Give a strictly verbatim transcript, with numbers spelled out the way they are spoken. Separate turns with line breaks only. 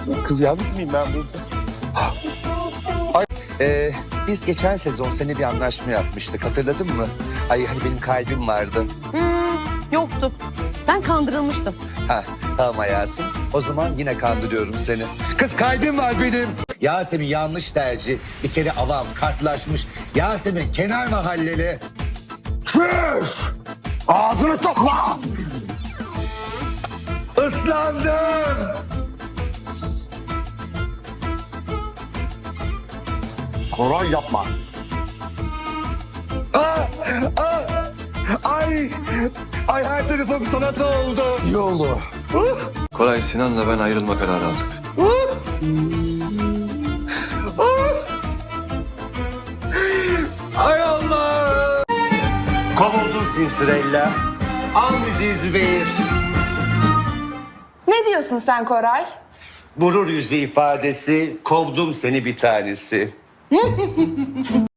Kız yalnız mıyım ben burada?
Ay, e, biz geçen sezon seninle bir anlaşma yapmıştık, hatırladın mı? Ay hani benim kalbim vardı.
Hmm, yoktu. Ben kandırılmıştım.
Ha tamam hayatım. O zaman yine kandırıyorum seni. Kız kalbim var benim. Yasemin yanlış tercih. Bir kere avam kartlaşmış. Yasemin kenar mahalleli.
Çüş! Ağzını topla!
Islandım.
Koray yapma.
Aa, aa, ay, ay her tarafım sanat oldu.
İyi oldu.
Koray, Sinan'la ben ayrılma kararı aldık.
Ay Allah. Kovuldum Sinsirella. Al müziği Zübeyir.
Ne diyorsun sen Koray?
Gurur yüzü ifadesi, kovdum seni bir tanesi.